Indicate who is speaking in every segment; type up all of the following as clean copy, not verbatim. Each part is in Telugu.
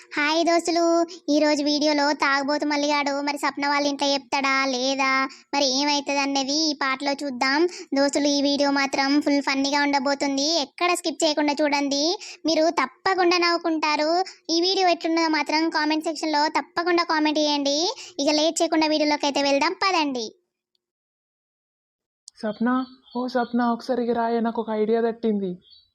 Speaker 1: హాయ్ దోస్తులు, ఈరోజు వీడియోలో తాగబోతు మల్లిగాడు మరి సప్న వాళ్ళ ఇంట్లో చెప్తాడా లేదా మరి ఏమవుతుంది అనేది ఈ పాటలో చూద్దాం. దోస్తులు, ఈ వీడియో మాత్రం ఫుల్ ఫన్నీగా ఉండబోతుంది. ఎక్కడ స్కిప్ చేయకుండా చూడండి, మీరు తప్పకుండా నవ్వుకుంటారు. ఈ వీడియో ఎట్లున్నదో మాత్రం కామెంట్ సెక్షన్లో తప్పకుండా కామెంట్ చేయండి. ఇక లేట్ చేయకుండా వీడియోలోకి అయితే వెళ్దాం, పదండి.
Speaker 2: సప్న, ఓ సప్న, ఒకసారి రాయ, నాకు ఒక ఐడియా తట్టింది.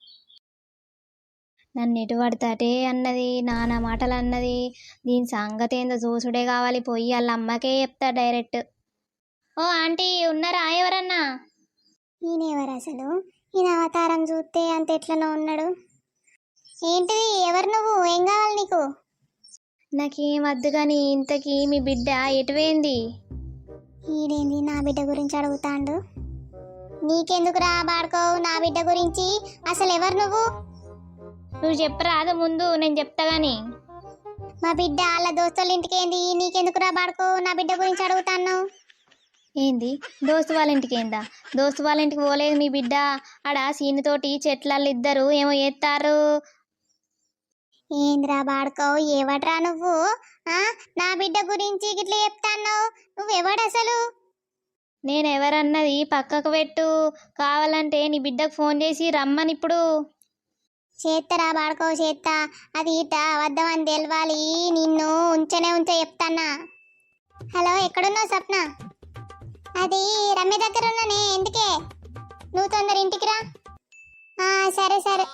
Speaker 3: నన్ను ఎటు పడతాటే అన్నది, నానా మాటలు అన్నది. దీని సంగతి ఏందో చూసుడే కావాలి. పోయి వాళ్ళ అమ్మకే చెప్తా డైరెక్ట్. ఓ ఆంటీ, ఉన్నారా ఎవరన్నా?
Speaker 1: ఈయనెవరు అసలు? ఈయన అవతారం చూస్తే అంత ఎట్లనో ఉన్నాడు. ఏంటిది, ఎవరు నువ్వు? ఏం కావాలి నీకు?
Speaker 3: నాకేం వద్దు కానీ ఇంతకీ మీ బిడ్డ ఎటువైంది?
Speaker 1: ఈడేంది నా బిడ్డ గురించి అడుగుతాండు? నీకెందుకు రా బాడుకోవు నా బిడ్డ గురించి? అసలు ఎవరు నువ్వు?
Speaker 3: నువ్వు చెప్పరాదు ముందు, నేను చెప్తా గాని.
Speaker 1: మా బిడ్డ వాళ్ళ దోస్తుల ఇంటికి ఏంది? నీకెందుకు రా బాడుకో నా బిడ్డ గురించి అడుగుతాను?
Speaker 3: ఏంది, దోస్తు వాళ్ళ ఇంటికి ఏందా? దోస్తు వాళ్ళ ఇంటికి పోలేదు మీ బిడ్డ. ఆడ సీనుతోటి చెట్లలో ఇద్దరు ఏమో చేస్తారు.
Speaker 1: ఏంద్రా బాడుకో, ఎవడ్రా నువ్వు? నా బిడ్డ గురించి గిట్లా చెప్తాను? నువ్వెవడు అసలు?
Speaker 3: నేనెవరన్నది పక్కకు పెట్టు. కావాలంటే నీ బిడ్డకు ఫోన్ చేసి రమ్మని ఇప్పుడు.
Speaker 1: చేత్తరా బాడుకో, చేత్తా. అది ఈట వద్దామని తెలవాలి. నిన్ను ఉంచనే చెప్తానా. హలో, ఎక్కడున్నావు సప్న? అది రమ్య దగ్గర ఉన్నానే. ఎందుకే? నువ్వు తొందర ఇంటికి రా. సరే సరే.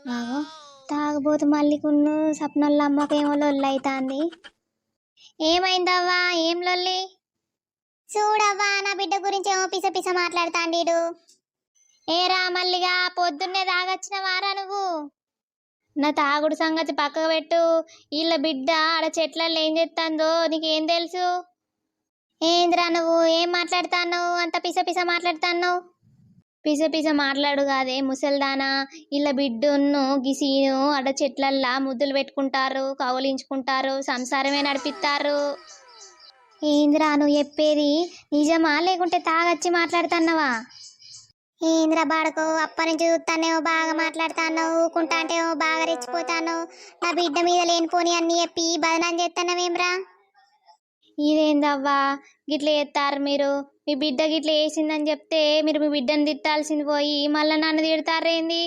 Speaker 3: తాగబోతు మల్లికున్ను సప్నల్ల అమ్మకేమో లొల్లి అవుతుంది. ఏమైందవ్వా? ఏం లొల్లి?
Speaker 1: చూడవ్వా, నా బిడ్డ గురించి ఏమో పిస పిస మాట్లాడుతాండీడు.
Speaker 3: ఏరా మల్లిగా, పొద్దున్నే తాగొచ్చిన వారా నువ్వు? నా తాగుడు సంగతి పక్కకు పెట్టు. వీళ్ళ బిడ్డ ఆడ చెట్లలో ఏం చేస్తుందో నీకేం తెలుసు?
Speaker 1: ఏంద్రా నువ్వు ఏం మాట్లాడుతాను? అంత పిస పిస మాట్లాడుతాను?
Speaker 3: పిస పిస మాట్లాడు కాదే ముసల్దానా. వీళ్ళ బిడ్డను గిసీను ఆడ చెట్లల్లా ముద్దులు పెట్టుకుంటారు, కౌలించుకుంటారు, సంసారమే నడిపిస్తారు.
Speaker 1: ఏంద్రా నువ్వు చెప్పేది నిజమా లేకుంటే తాగొచ్చి మాట్లాడుతున్నావా? ఏంద్రా బాడకో, అప్పటి నుంచి చూస్తానేమో బాగా మాట్లాడుతాను, ఊకుంటా అంటేమో బాగా రెచ్చిపోతాను. నా బిడ్డ మీద లేనిపోని అన్ని చెప్పి బదనాం చేస్తానవేమ్రా?
Speaker 3: ఇదేందవ్వా గిట్ల చేస్తారు మీరు? మీ బిడ్డ గిట్ల వేసిందని చెప్తే మీరు మీ బిడ్డను తిట్టాల్సింది పోయి మళ్ళీ నన్ను తిడతారేంది?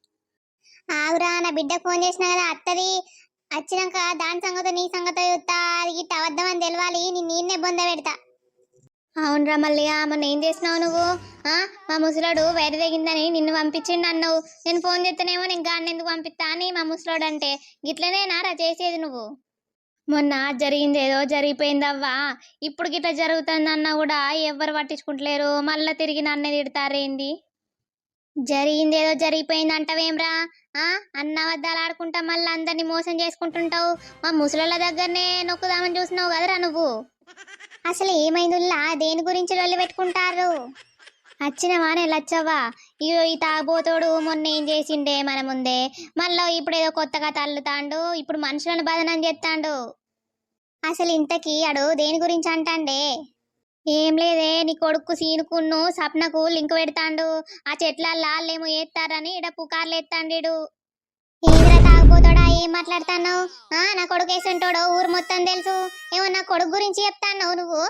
Speaker 1: ఆగురా, నా బిడ్డకు ఫోన్ చేసినా కదా, అత్తది. వచ్చినాక దాని సంగతో నీ సంగతో చూస్తా. అది గిట్ట అవద్దమని తెలవాలి. నేనే బొంద పెడతా.
Speaker 3: అవునరా మల్లిగా, మొన్న ఏం చేసినావు నువ్వు? మా ముసలాడు వైర తెగిందని నిన్ను పంపించిండు అన్నావు. నేను ఫోన్ చేస్తేనేమో నేను గాడిని ఎందుకు పంపిస్తా అని మా ముసలాడు అంటే, గిట్లనేనారా చేసేది నువ్వు? మొన్న జరిగింది ఏదో జరిగిపోయిందవ్వా. ఇప్పుడు గిట్లా జరుగుతుందన్నా కూడా ఎవ్వరు పట్టించుకుంటలేరు. మళ్ళీ తిరిగి నన్నే తిడతారేంది?
Speaker 1: జరిగింది ఏదో జరిగిపోయింది అంటావేమ్రా? అన్న అబద్ధాలు ఆడుకుంటా మళ్ళీ అందరినీ మోసం చేసుకుంటుంటావు. మా ముసలోళ్ళ దగ్గరనే నొక్కుదామని చూసినావు కదరా నువ్వు. అసలు ఏమైందిలా? దేని గురించి లొల్లి పెట్టుకుంటారు?
Speaker 3: వచ్చినవానే లచ్చవ్వా. ఇగో ఈ తాగబోతోడు మొన్న ఏం చేసిండే మన ముందే, మళ్ళీ ఇప్పుడు ఏదో కొత్తగా తల్లుతాండు. ఇప్పుడు మనుషులను బదనం చేస్తాండు.
Speaker 1: అసలు ఇంతకీ అడు దేని గురించి అంటాండే?
Speaker 3: ఏం లేదే, నీ కొడుకు సీనుకున్ను సప్నకు లింక్ పెడతాండు. ఆ చెట్లల్లో వాళ్ళేమో ఏస్తారని ఇడ పుకార్లు ఎత్తాండు.
Speaker 1: ఏంద్రా తాగబోతాడా, ఏం మాట్లాడతాను? నా కొడుకు వేసుంటాడో ఊరు మొత్తం తెలుసు. ఏమో నా కొడుకు గురించి చెప్తాను నువ్వు?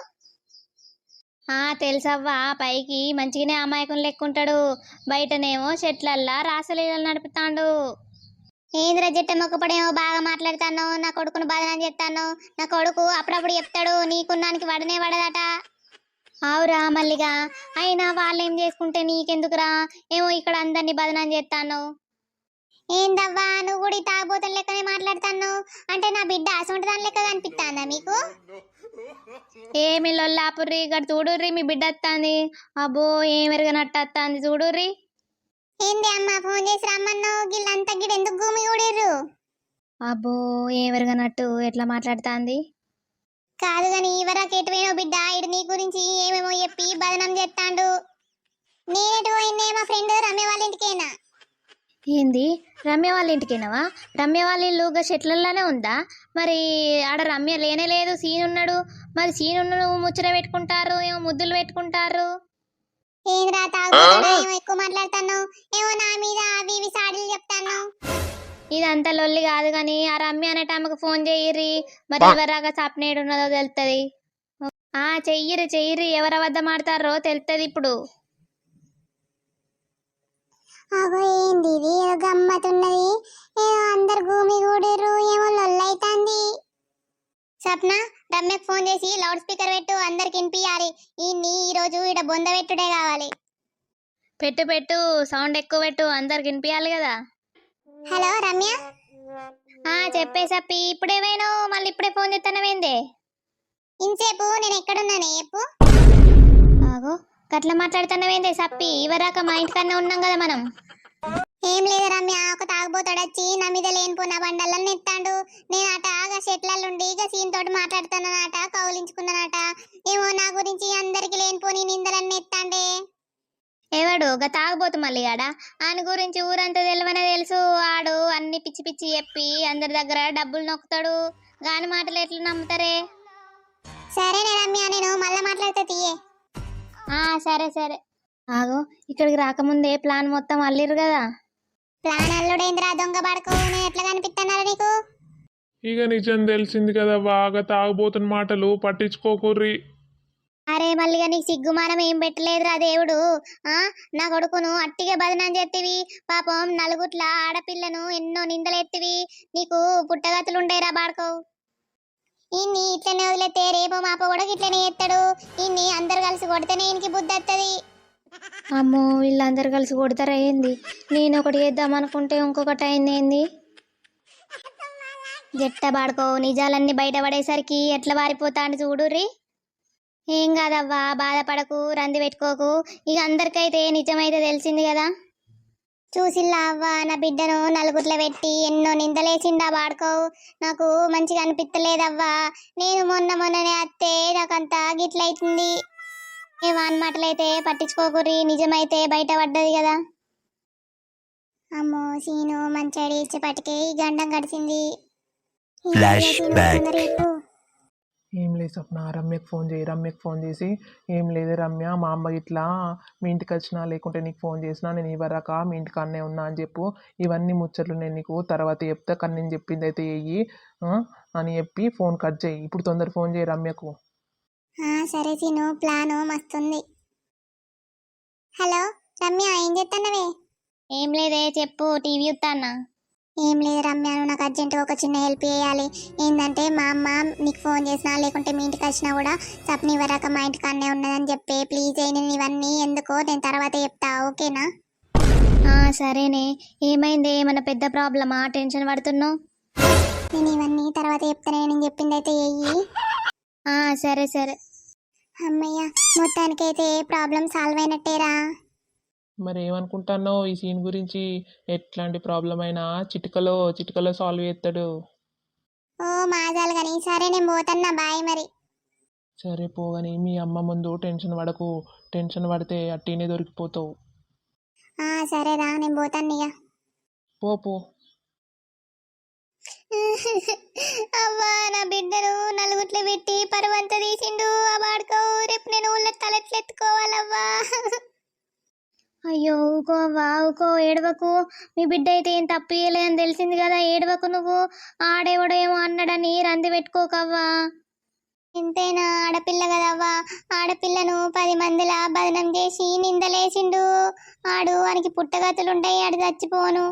Speaker 3: తెలుసవ్వా, పైకి మంచిగానే అమాయకం లెక్కుంటాడు, బయటనేమో చెట్లల్లా రాసలీలలు నడుపుతాండు.
Speaker 1: ఏంద్ర జట్ట మొక్కపడేమో బాగా మాట్లాడతాను. నా కొడుకును బదనాన్ని చెప్తాను. నా కొడుకు అప్పుడప్పుడు చెప్తాడు, నీకున్నానికి వడనే వడదట.
Speaker 3: ఆవురా మల్లిగా, అయినా వాళ్ళేం చేసుకుంటే నీకెందుకురా? ఏమో ఇక్కడ అందరినీ బదనాన్ని చేస్తాను.
Speaker 1: ఏందవ్వా, నువ్వు కూడా తాగబోతున్న లెక్కనే మాట్లాడతాను? అంటే నా బిడ్డ అసొంటి దాని లెక్క కనిపిస్తాందా మీకు?
Speaker 3: ఏమి లొల్లాపుర్రి, ఇక్కడ చూడుర్రి మీ బిడ్డ వస్తుంది. అబ్బో, ఏం ఎరగనట్టు వస్తుంది చూడుర్రి.
Speaker 1: ఏంది అమ్మ, ఫోన్ చేసి రమ్మన్నావు? గిల్లంతా గిడ ఎందుకు భూమి ఊడిర్రు?
Speaker 3: అబ్బో, ఏం ఎరగనట్టు ఎట్లా మాట్లాడుతుంది?
Speaker 1: కాదు గాని ఇవరకు ఎటువైనో బిడ్డ, ఇటు నీ గురించి ఏమేమో చెప్పి బదనం చేస్తాండు. నేనెటు పోయినే? మా ఫ్రెండ్ రమ్య వాళ్ళ ఇంటికేనా?
Speaker 3: ఏంది, రమ్య వాళ్ళ ఇంటికేనావా? రమ్య వాళ్ళ ఇల్లు చెట్లల్లోనే ఉందా? మరి ఆడ రమ్య లేనే లేదు, సీన్ ఉన్నాడు. మరి సీను ముచ్చట పెట్టుకుంటారు, ఏమో ముద్దులు పెట్టుకుంటారు.
Speaker 1: ఏంద్రా తాగుతాడా? ఏమో ఎక్కువ మాట్లాడతాను. ఏమో నా మీద అవి ఇవి సాడీలు చెప్తాను.
Speaker 3: ఇదంతా లొల్లి కాదు కానీ ఆ రమ్య అనేట ఆమెకు ఫోన్ చెయ్యిర్రి, మరి ఎవరాగా సప్నేడు ఉన్నదో తెలుస్తుంది. చెయ్యిరి ఎవరు అబద్ధం ఆడతారో తెలుస్తుంది ఇప్పుడు.
Speaker 1: అగో ఏంది ఇది ఏదో గమ్మతున్నది, ఏదో అందరు భూమి కూడిర్రు, ఏమో లొల్లైతాంది. సప్న, రమ్యకు ఫోన్ చేసి లౌడ్ స్పీకర్ పెట్టు, అందరికి వినిపియాలి. ఈ రోజు ఈడ బొంద పెట్టుడే కావాలి.
Speaker 3: పెట్టు సౌండ్ ఎక్కువ పెట్టు, అందరికి వినిపించాలి కదా.
Speaker 1: హలో రమ్య.
Speaker 3: చెప్పే సప్పి, ఇప్పుడేమైనా మళ్ళీ ఇప్పుడే ఫోన్ చేస్తానవేందే?
Speaker 1: ఇంతసేపు నేను ఎక్కడున్నానే చెప్పు.
Speaker 3: ఆగో గట్ల మాట్లాడుతున్నావేందే సప్పి, ఇవరాక మా ఇంటికన్నా ఉన్నాం కదా మనం.
Speaker 1: ఏం లేదు రమ్య, ఒక తాగుబోతాడొచ్చి నా మీద లేనిపోయిన బండలను ఎత్తాడు. నేను అట ఆగా చెట్లలుండి ఇక సీన్ తోటి మాట్లాడుతున్నానట, కౌలించుకున్నానట. ఏమో నా గురించి అందరికి లేనిపోని నిందలన్నీ ఎత్తాండే.
Speaker 3: ఎవడు గా తాగబోతు మళ్ళీగాడా? ఆయన గురించి ఊరంతా తెలివనే తెలుసు. ఆడు అన్ని పిచ్చి పిచ్చి చెప్పి అందరి దగ్గర డబ్బులు నొక్కుతాడు. గాని మాటలు ఎట్లా నమ్ముతారే?
Speaker 1: సరేనే రమ్య, నేను మళ్ళా మాట్లాడితే తీయే.
Speaker 3: సరే ఆగో, ఇక్కడికి రాకముందే ప్లాన్ మొత్తం అల్లిరు కదా.
Speaker 1: ప్లాన్ అల్లుడేంద్రా దొంగ పడకు, నేను ఎట్లా కనిపిస్తున్నారా నీకు?
Speaker 2: ఇక నిజం తెలిసింది కదా, బాగా తాగుబోతున్న మాటలు పట్టించుకోకుర్రి.
Speaker 1: అరే మల్లిగా నీకు సిగ్గుమానం ఏం పెట్టలేదురా దేవుడు. నా కొడుకును అట్టిగా బదనం చేతివి. పాపం నలుగుట్ల ఆడపిల్లను ఎన్నో నిందలెత్తివి. నీకు పుట్టగతులుండేరా బాడుకోవు. ఇన్ని ఇట్లనే వదిలేతే రేపో మాపో కూడా ఇట్లనే ఎత్తాడు. ఇన్ని అందరు కలిసి కొడితేనే ఈయనకి బుద్ధి వస్తుంది.
Speaker 3: అమ్మో, వీళ్ళందరూ కలిసి కొడతారా ఏంది? నేను ఒకటి చేద్దాం అనుకుంటే ఇంకొకటి అయింది ఏంది? జట్ట బాడుకో, నిజాలన్నీ బయటపడేసరికి ఎట్లా వారిపోతాను చూడుర్రి. ఏం కాదవ్వా, బాధపడకు, రంది పెట్టుకోకు. ఇక అందరికైతే నిజమైతే తెలిసింది కదా.
Speaker 1: చూసిల్లా అవ్వ, నా బిడ్డను నలుగుట్ల పెట్టి ఎన్నో నిందలేసిండా బాడుకోవు. నాకు మంచిగా అనిపిస్తలేదవ్వా. నేను మొన్ననే అత్తే నాకంతా గిట్లయితుంది. ఏ వాన్ మాటలైతే పట్టించుకోకుర్రి, నిజమైతే బయటపడ్డది కదా. అమ్మో సీను మంచాడి ఇచ్చేపటికే ఈ గండం గడిచింది.
Speaker 2: ఏం లేదు సప్న, రమ్యకు ఫోన్ చేసి ఏం లేదు రమ్య, మా అమ్మ ఇట్లా మీ ఇంటికి వచ్చినా లేకుంటే నీకు ఫోన్ చేసినా నేను ఇవరాక మీ ఇంటికి అన్నే ఉన్నా అని చెప్పు. ఇవన్నీ ముచ్చట్లు నేను నీకు తర్వాత చెప్తా, కానీ నేను చెప్పింది అయితే చెయ్యి అని చెప్పి ఫోన్ కట్ చేయి. ఇప్పుడు తొందర ఫోన్ చేయి రమ్యకు.
Speaker 1: సరే సీను, ప్లాను మస్తుంది. హలో రమ్య, ఏం చేస్తున్నావే?
Speaker 3: ఏం లేదే, చెప్పు. టీవీ చూస్తానా.
Speaker 1: ఏం లేదు రమ్య, నువ్వు నాకు అర్జెంటుగా ఒక చిన్న హెల్ప్ చేయాలి. ఏంటంటే మా అమ్మ నీకు ఫోన్ చేసినా లేకుంటే మీ ఇంటికి వచ్చినా కూడా సప్ని వరాక మా ఇంటికి అన్నే ఉన్నదని చెప్పే. ప్లీజ్ నేను ఇవన్నీ ఎందుకో నేను తర్వాత చెప్తా, ఓకేనా?
Speaker 3: సరేనే. ఏమైంది? ఏమన్నా పెద్ద ప్రాబ్లమా? టెన్షన్ పడుతున్నావు?
Speaker 1: నేను ఇవన్నీ తర్వాత చెప్తానే, నేను చెప్పింది అయితే చెయ్యి.
Speaker 3: సరే.
Speaker 1: అమ్మయ్య, మొత్తానికైతే ప్రాబ్లం సాల్వ్ అయినట్టేరా.
Speaker 2: మరి ఏమనుకుంటున్నావు ఈ సీన్ గురించి? ఎట్లాంటి ప్రాబ్లం అయినా చిటికలో సాల్వ్ చేస్తాడు.
Speaker 1: ఓ మాజాలు కానీ, సరే నేను పోతున్నా, బాయ్ మరి.
Speaker 2: సరే పోగాని మీ అమ్మ ముందు టెన్షన్ పడకు, టెన్షన్ పడితే అట్టినే దొరికిపోతావు.
Speaker 1: సరేరా, నేను పోతాను ఇక.
Speaker 2: పో.
Speaker 1: అవ్వా, నా బిడ్డను నలుగుట్లు పెట్టి పరువంతా తీసిండు ఆ వాడుకో. రేపు నేను ఊళ్ళో తలెట్లెత్తుకోవాలవ్వా.
Speaker 3: అయ్యో ఊకో అవ్వా, ఊకో, ఏడవకు. మీ బిడ్డ అయితే ఏం తప్పు చేయలేదని తెలిసింది కదా, ఏడవకు నువ్వు. ఆడేవాడో ఏమో అన్నాడని రంది పెట్టుకోకవ్వా.
Speaker 1: ఎంతైనా ఆడపిల్ల కదవ్వా. ఆడపిల్లను 10 మందిలా బదనం చేసి నిందలేసిండు. ఆడు వానికి పుట్టగతులుంటాయి, ఆడు చచ్చిపోను.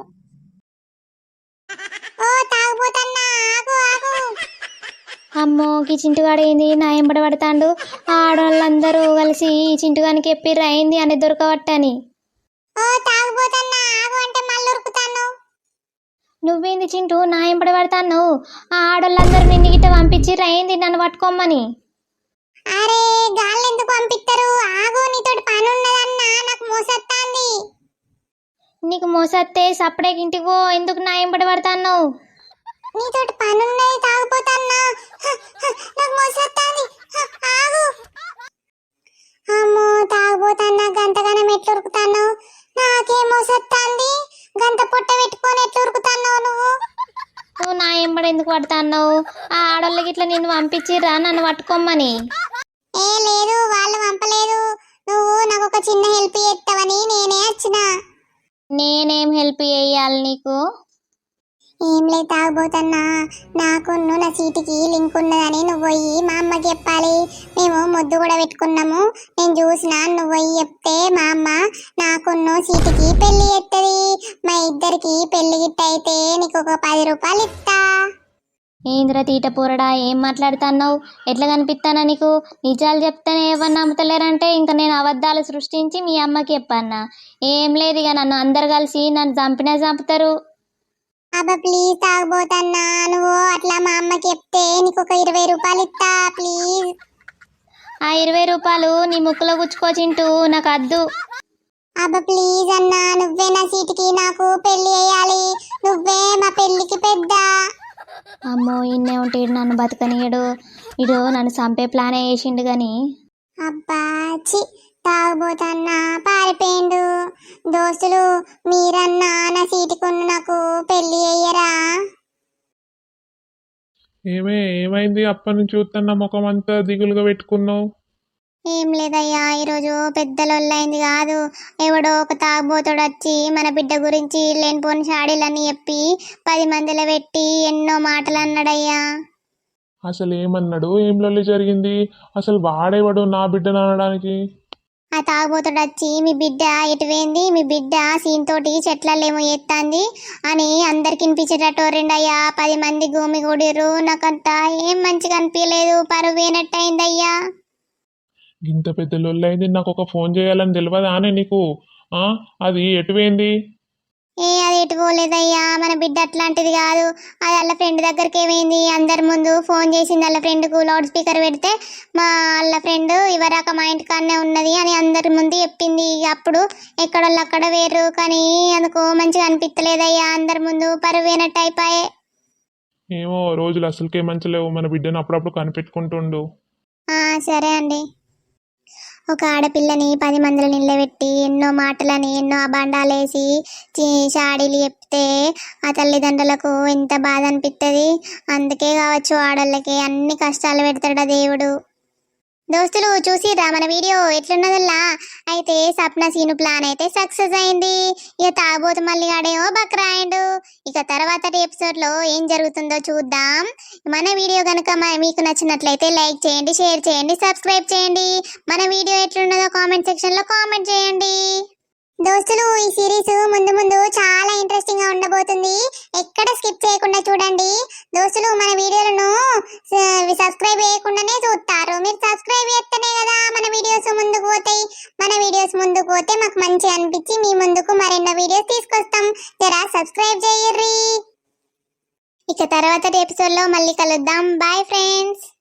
Speaker 1: ఓ తాగుపోతన్నా, ఆగు.
Speaker 3: అమ్మో, ఈ చింటుగాడు ఏంది నా ఎంబడ పడతాండు? ఆడవాళ్ళందరూ కలిసి ఈ చింటుగానికి ఎప్పిర్రు అయింది అని దొరకవట్టని.
Speaker 1: ఓ తాగుపోతన్నా, ఆగు అంటే మళ్ళీ ఉరుకుతాను.
Speaker 3: నువ్వేంది చింటూ నా ఎంబడ పడతాను? ఆ ఆడవాళ్ళందరూ నిన్ను గిట్ట పంపించిర్రు అయింది నన్ను పట్టుకోమని.
Speaker 1: అరే గాళ్ళు ఎందుకు పంపిస్తారు? ఆగు, నీతోటి పని ఉన్నదన్నా, నాకు మోసొత్తాంది.
Speaker 3: నీకు మోసత్తే సప్పుడే ఇంటికి పో, ఎందుకు నా ఎంబడ పడతాను?
Speaker 1: నీతోటి పని ఉన్నది, తాగుపోతన్నా, నాకు మోసొత్తాంది, ఆగు. అమ్మో తాగుపోతన్నా, గంతగానం ఎట్లా ఉరుకుతాను? నాకేం మోసొత్తాంది? గంత పొట్ట పెట్టుకొని ఎట్లా ఉరుకుతాన్నావు నువ్వు?
Speaker 3: నువ్వు నా ఎంబడ ఎందుకు పడతాను? ఆ ఆడోళ్ళకి ఇట్లా నిన్ను పంపించిర్రా నన్ను పట్టుకోమని?
Speaker 1: ఏ లేదు, వాళ్ళు పంపలేదు. నువ్వు నాకు ఒక చిన్న హెల్ప్ చేస్తావని నేనే వచ్చిన.
Speaker 3: నేనేం హెల్ప్ చేయాలి నీకు?
Speaker 1: ఏం లేదు తాగబోతన్నా, నాకున్ను నా సీటుకి లింక్ ఉన్నదని నువ్వు పోయి మా అమ్మకి చెప్పాలి. మేము ముద్దు కూడా పెట్టుకున్నాము, నేను చూసిన, నువ్వు పోయి చెప్తే మా అమ్మ నాకున్ను సీటుకి పెళ్లి చేస్తుంది. మా ఇద్దరికి పెళ్లి గిట్ట అయితే నీకు ఒక 10 రూపాయలు ఇస్తా.
Speaker 3: ఏంద్ర తీట పోరడా, ఏం మాట్లాడుతున్నావు? ఎట్లా కనిపిస్తానా నీకు? నిజాలు చెప్తేనే ఎవరు నమ్ముతలేరంటే ఇంకా నేను అబద్ధాలు సృష్టించి మీ అమ్మకి చెప్పన్నా? ఏం లేదు, ఇక నన్ను అందరు కలిసి నన్ను చంపినా చంపుతారు.
Speaker 1: అబ్బా ప్లీజ్ తాగబోతన్నా, నువ్వు అట్లా మా అమ్మకి చెప్తే నీకు ఒక 20 రూపాయలు ఇస్తా ప్లీజ్.
Speaker 3: ఆ 20 రూపాయలు నీ ముక్కులో గుచ్చుకోచింటూ నాకు అద్దు.
Speaker 1: అబ్బా ప్లీజ్ అన్నా, నువ్వే నా సీటుకి నాకు పెళ్లి చేయాలి, నువ్వే మా పెళ్లికి పెద్ద.
Speaker 3: అమ్మో, ఇన్నే ఉంటే ఈడు నన్ను బతకనీయడు, ఇడు నన్ను చంపే ప్లానే వేసిండు కానీ.
Speaker 1: అబ్బా చి, తాగబోతన్నా పారిపోయిండు. దోస్తులు మీరన్నా నా సీటుకున్న నాకు పెళ్లి చెయ్యరా?
Speaker 2: ఏమైంది? అప్పటి నుంచి చూస్తున్నా ముఖం అంతా దిగులుగా పెట్టుకున్నావు.
Speaker 1: ఏం లేదయ్యా, ఈరోజు పెద్ద లొల్లైంది కాదు. ఎవడో ఒక తాగుబోతుడు వచ్చి మన బిడ్డ గురించి లేనిపోని షాడీలన్నీ చెప్పి 10 మందిలో పెట్టి ఎన్నో మాటలు అన్నాడయ్యా.
Speaker 2: అసలు ఏమన్నాడు? ఏం లొల్లి జరిగింది? అసలు వాడేవాడు నా బిడ్డను అనడానికి?
Speaker 1: ఆ తాగుబోతుడు వచ్చి మీ బిడ్డ ఎటువైంది, మీ బిడ్డ సీన్ తోటి చెట్లలేమో ఎత్తాంది అని అందరికి వినిపించేటట్టు రెండయ్యా. 10 మంది భూమి కూడిర్రు. నాకంతా ఏం మంచిగా అనిపించలేదు, పరువేనట్టు అయిందయ్యా.
Speaker 2: ఇంత పెద్ద లొల్లి అయింది, నాకు ఒక ఫోన్ చేయాలని తెలియదా అని నీకు? అది ఎటువైంది?
Speaker 1: అది ఎటు పోలేదయ్యా, మన బిడ్డ అట్లాంటిది కాదు. అది వాళ్ళ ఫ్రెండ్ దగ్గరికి ఏమైంది, అందరి ముందు ఫోన్ చేసింది. వాళ్ళ ఫ్రెండ్కు లౌడ్ స్పీకర్ పెడితే వాళ్ళ ఫ్రెండ్ ఇవరాక మా ఇంటికాడనే ఉన్నది అని అందరి ముందు చెప్పింది. అప్పుడు ఎక్కడోళ్ళు అక్కడ వేరు, కానీ అందుకు మంచిగా అనిపించలేదయ్యా, అందరి ముందు పరువేనట్టు అయిపోయే.
Speaker 2: ఏమో రోజులు అసలుకే మంచిలేవు, మన బిడ్డను అప్పుడప్పుడు కనిపెట్టుకుంటుండు.
Speaker 1: సరే అండి. ఒక ఆడపిల్లని 10 మందిలో నిలబెట్టి ఎన్నో మాటలని ఎన్నో అబాండాలేసి షాడీలు చెప్తే ఆ తల్లిదండ్రులకు ఎంత బాధ అనిపిస్తుంది. అందుకే కావచ్చు ఆడోళ్ళకి అన్ని కష్టాలు పెడతాడు దేవుడు. దోస్తులు చూసిరా మన వీడియో ఎట్లున్నదల్లా? అయితే సప్న సీను ప్లాన్ అయితే సక్సెస్ అయింది. ఇక తాగబోతు మళ్ళీ ఆడేమో బక్రాయిండు. ఇక తర్వాత ఎపిసోడ్ లో ఏం జరుగుతుందో చూద్దాం. మన వీడియో కనుక మీకు నచ్చినట్లయితే లైక్ చేయండి, షేర్ చేయండి, సబ్స్క్రైబ్ చేయండి. మన వీడియో ఎట్లున్నదో కామెంట్ సెక్షన్ లో కామెంట్ చేయండి. దోస్తులు ఈ సిరీస్ ముందు ముందు చాలా ఇంట్రెస్టింగ్ గా ఉండబోతుంది, ఎక్కడ స్కిప్ చేయకుండా చూడండి. దోస్తులు మన వీడియోలను సబ్స్క్రైబ్ చేయకుండానే చూస్తారు, మీరు సబ్స్క్రైబ్ చేస్తేనే కదా మన వీడియోస్ ముందుకు పోతాయి. మన వీడియోస్ ముందుకు పోతే మాకు మంచిగా అనిపించి మీ ముందుకు మరెన్నో వీడియోస్ తీసుకొస్తాం. జరా సబ్స్క్రైబ్ చేయర్రి. ఇక తర్వాత ఎపిసోడ్ లో మళ్ళీ కలుద్దాం. Bye friends.